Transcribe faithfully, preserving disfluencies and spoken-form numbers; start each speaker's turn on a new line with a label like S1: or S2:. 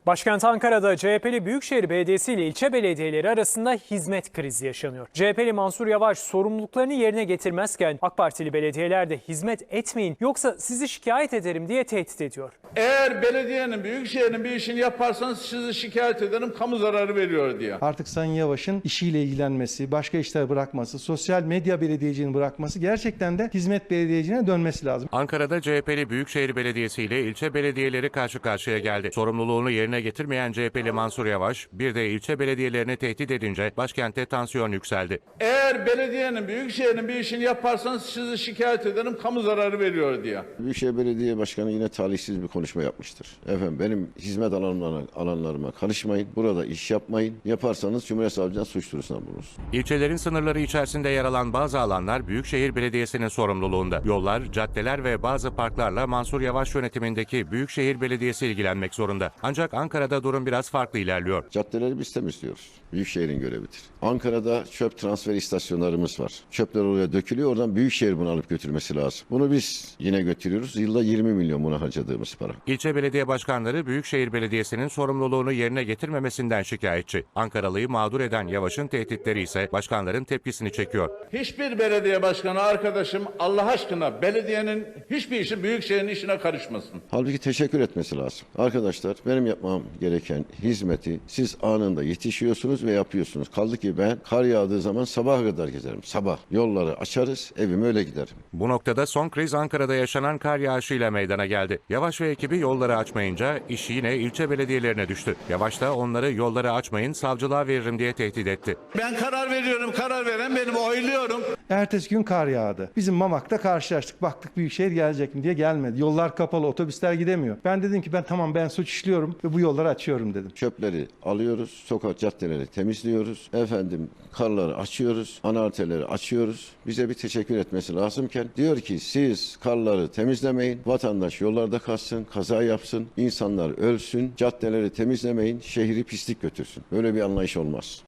S1: Başkent Ankara'da C H P'li Büyükşehir Belediyesi ile ilçe belediyeleri arasında hizmet krizi yaşanıyor. C H P'li Mansur Yavaş sorumluluklarını yerine getirmezken AK Partili belediyeler de hizmet etmeyin yoksa sizi şikayet ederim diye tehdit ediyor.
S2: Eğer belediyenin, büyükşehirin bir işini yaparsanız sizi şikayet ederim, kamu zararı veriyor diye.
S3: Artık Sayın Yavaş'ın işiyle ilgilenmesi, başka işler bırakması, sosyal medya belediyeciliğini bırakması, gerçekten de hizmet belediyeciliğine dönmesi lazım.
S4: Ankara'da C H P'li Büyükşehir Belediyesi ile ilçe belediyeleri karşı karşıya geldi. Sorumluluğunu yerine getirmeyen C H P'li Mansur Yavaş, bir de ilçe belediyelerini tehdit edince başkentte tansiyon yükseldi.
S2: Eğer belediyenin, büyükşehirin bir işini yaparsanız sizi şikayet ederim, kamu zararı veriyor diye.
S5: Büyükşehir Belediye Başkanı yine talihsiz bir konuşma yapmıştır. Efendim benim hizmet alanlarına, alanlarıma karışmayın, burada iş yapmayın. Yaparsanız Cumhuriyet Savcılığına suç duyurusuna bulunursunuz.
S4: İlçelerin sınırları içerisinde yer alan bazı alanlar Büyükşehir Belediyesi'nin sorumluluğunda. Yollar, caddeler ve bazı parklarla Mansur Yavaş yönetimindeki Büyükşehir Belediyesi ilgilenmek zorunda. Ancak Ankara'da durum biraz farklı ilerliyor.
S5: Caddeleri biz temizliyoruz. Büyükşehir'in görevidir. Ankara'da çöp transfer istasyonlarımız var. Çöpler oraya dökülüyor, oradan Büyükşehir bunu alıp götürmesi lazım. Bunu biz yine götürüyoruz. Yılda yirmi milyon buna harcadığımız para.
S4: İlçe belediye başkanları Büyükşehir Belediyesi'nin sorumluluğunu yerine getirmemesinden şikayetçi. Ankaralı'yı mağdur eden Yavaş'ın tehditleri ise başkanların tepkisini çekiyor.
S2: Hiçbir belediye başkanı arkadaşım Allah aşkına belediyenin hiçbir işi büyükşehirin işine karışmasın.
S5: Halbuki teşekkür etmesi lazım. Arkadaşlar benim yapmam gereken hizmeti siz anında yetişiyorsunuz ve yapıyorsunuz. Kaldı ki ben kar yağdığı zaman sabaha kadar gezerim. Sabah yolları açarız, evime öyle giderim.
S4: Bu noktada son kriz Ankara'da yaşanan kar yağışıyla meydana geldi. Yavaş ve ekibi yolları açmayınca iş yine ilçe belediyelerine düştü. Yavaş da onları yolları açmayın, savcılığa veririm diye tehdit etti.
S2: Ben karar veriyorum, karar veren benim, oyluyorum.
S3: Ertesi gün kar yağdı. Bizim Mamak'ta karşılaştık. Baktık Büyükşehir gelecek mi diye gelmedi. Yollar kapalı, otobüsler gidemiyor. Ben dedim ki ben tamam ben suç işliyorum ve bu yolları açıyorum dedim.
S5: Çöpleri alıyoruz, sokak caddeleri temizliyoruz. Efendim karları açıyoruz, ana arterleri açıyoruz. Bize bir teşekkür etmesi lazımken diyor ki siz karları temizlemeyin, vatandaş yollarda kalsın, kaza yapsın, insanlar ölsün, caddeleri temizlemeyin, şehri pislik götürsün. Böyle bir anlayış olmaz.